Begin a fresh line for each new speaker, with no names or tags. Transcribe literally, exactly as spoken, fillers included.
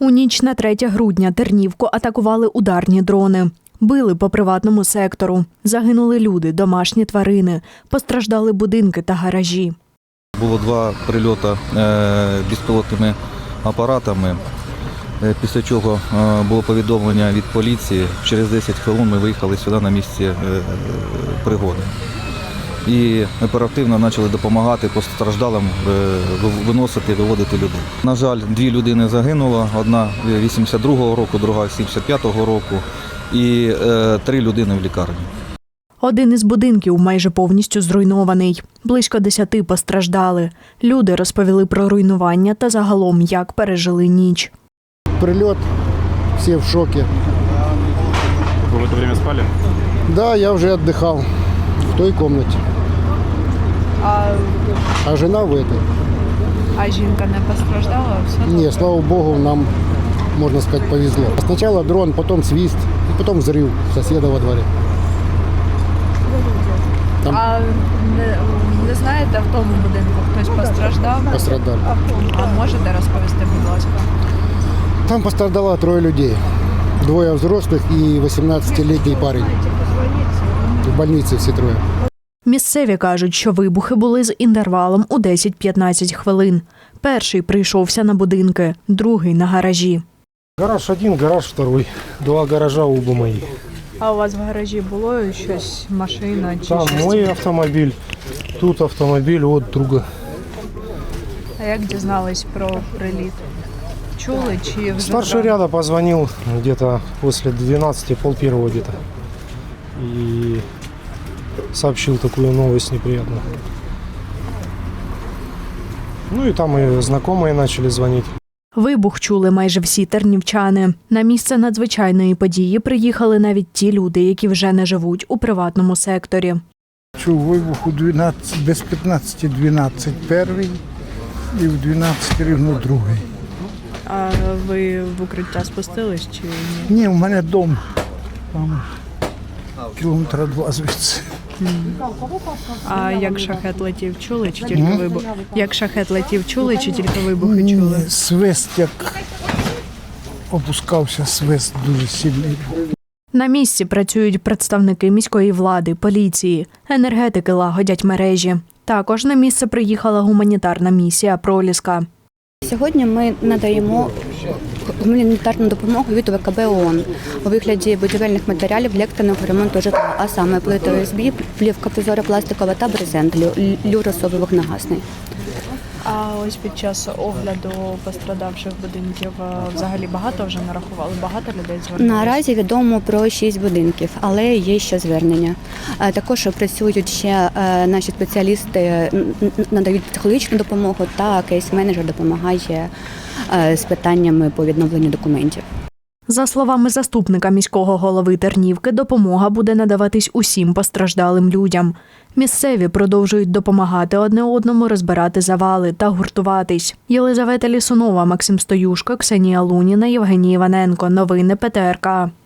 У ніч на третє грудня Тернівку атакували ударні дрони. Били по приватному сектору. Загинули люди, домашні тварини. Постраждали будинки та гаражі.
Було два прильоти безпілотними апаратами, після чого було повідомлення від поліції. Через десять хвилин ми виїхали сюди на місце пригоди. І оперативно почали допомагати постраждалим виносити, виводити людей. На жаль, дві людини загинуло, одна вісімдесят другого року, друга сімдесят п'ятого року і е, три людини в лікарні.
Один із будинків майже повністю зруйнований. Близько десяти постраждали. Люди розповіли про руйнування та загалом, як пережили ніч.
Прильот, всі в шокі.
Вы в это время спали?
Да, я вже віддихав в той кімнаті.
А,
А жена в этой.
а жінка не постраждала? Все
Ні, слава Богу, нам, можна сказати, повезло. Спочатку дрон, потім свист, і потім взрив сусіда во дворі. Там
А не, не знаєте, в тому будинку хтось постраждав?
пострадали.
А можете розповісти, будь ласка?
Там пострадало троє людей. Двоє взрослих і вісімнадцятилітній парень. В больниці всі троє.
Місцеві кажуть, що вибухи були з інтервалом у десять-п'ятнадцять хвилин. Перший прийшовся на будинки, другий – на гаражі.
Гараж один, гараж второй. Два гаража оба мої.
А у вас в гаражі було щось, машина чи
Там
щось?
мой автомобіль, тут автомобіль от друга.
А як дізнались про приліт? Чули чи вже?
Старший ряда позвонил где-то после двенадцати, пол первого где-то. И сообщил такую новость неприятную. Ну и там и знакомые начали звонить.
Вибух чули майже всі тернівчани. На місце надзвичайної події приїхали навіть ті люди, які вже не живуть у приватному секторі.
Чув вибух у дванадцять, без п'ятнадцяти дванадцять перший і в дванадцять рівно другий.
А ви в укриття спустились чи ні?
Ні, у мене дом, там кілометра два звідси.
А як шахет летів, чули чи тільки вибух? Як шахет летів, чули чи тільки вибухи чули?
Ні, свист як опускався, свист дуже сильний.
На місці працюють представники міської влади, поліції, енергетики лагодять мережі. Також на місце приїхала гуманітарна місія «Проліска».
Сьогодні ми надаємо гуманітарну допомогу від ВКБ ООН у вигляді будівельних матеріалів для екстреного ремонту житла, а саме плити О С Б, плівка прозоро-пластикова та брезент, люросовий вогнегасний.
А ось під час огляду пострадавших будинків взагалі багато вже нарахували? Багато людей звернулося?
Наразі відомо про шість будинків, але є ще звернення. Також працюють ще наші спеціалісти, надають психологічну допомогу, та кейс-менеджер допомагає з питаннями по відновленню документів.
За словами заступника міського голови Тернівки, допомога буде надаватись усім постраждалим людям. Місцеві продовжують допомагати одне одному розбирати завали та гуртуватись. Єлизавета Лісунова, Максим Стоюшко, Ксенія Луніна, Євгеній Іваненко. Новини Пе Те Ер Ка.